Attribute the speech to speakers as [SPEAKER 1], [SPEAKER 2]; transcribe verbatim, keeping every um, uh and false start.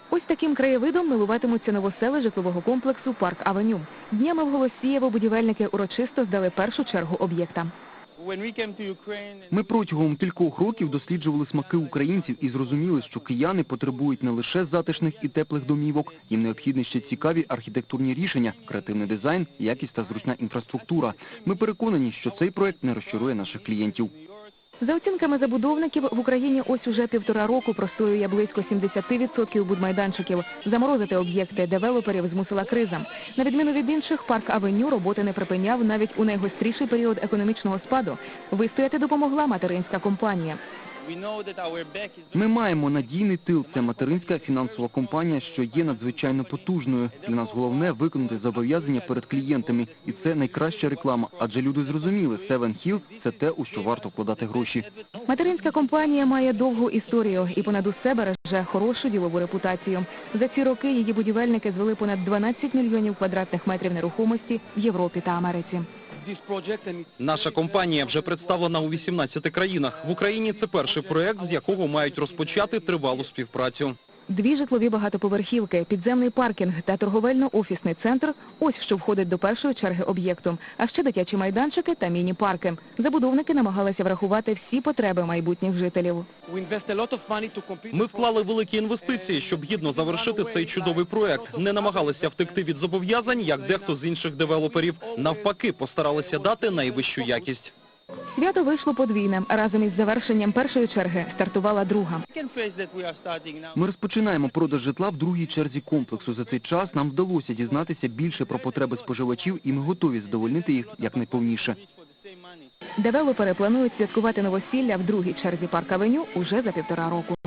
[SPEAKER 1] Ось таким краєвидом милуватимуться новосели житлового комплексу «Парк Авеню». Днями в Голосієво будівельники урочисто здали першу чергу об'єкта.
[SPEAKER 2] Ми протягом кількох років досліджували смаки українців і зрозуміли, що кияни потребують не лише затишних і теплих домівок, їм необхідні ще цікаві архітектурні рішення, креативний дизайн, якість та зручна інфраструктура. Ми переконані, що цей проект не розчарує наших клієнтів.
[SPEAKER 1] За оцінками забудовників, в Україні ось уже півтора року простоює близько сімдесят відсотків будмайданчиків. Заморозити об'єкти девелоперів змусила криза. На відміну від інших, «Парк Авеню» роботи не припиняв навіть у найгостріший період економічного спаду. Вистояти допомогла материнська компанія.
[SPEAKER 2] Ми маємо надійний тил. Це материнська фінансова компанія, що є надзвичайно потужною. Для нас головне – виконати зобов'язання перед клієнтами. І це найкраща реклама, адже люди зрозуміли, Севен Хілз – це те, у що варто вкладати гроші.
[SPEAKER 1] Материнська компанія має довгу історію і понад усе береже хорошу ділову репутацію. За ці роки її будівельники звели понад дванадцять мільйонів квадратних метрів нерухомості в Європі та Америці.
[SPEAKER 3] Наша компанія вже представлена у вісімнадцяти країнах. В Україні це перший проект, з якого мають розпочати тривалу співпрацю.
[SPEAKER 1] Дві житлові багатоповерхівки, підземний паркінг та торговельно-офісний центр – ось що входить до першої черги об'єкту. А ще дитячі майданчики та міні-парки. Забудовники намагалися врахувати всі потреби майбутніх жителів.
[SPEAKER 3] Ми вклали великі інвестиції, щоб гідно завершити цей чудовий проект. Не намагалися втекти від зобов'язань, як дехто з інших девелоперів. Навпаки, постаралися дати найвищу якість.
[SPEAKER 1] Свято вийшло подвійне. Разом із завершенням першої черги стартувала друга.
[SPEAKER 2] Ми розпочинаємо продаж житла в другій черзі комплексу. За цей час нам вдалося дізнатися більше про потреби споживачів, і ми готові задовольнити їх якнайповніше.
[SPEAKER 1] Девелопери планують святкувати новосілля в другій черзі «Парк Авеню» уже за півтора року.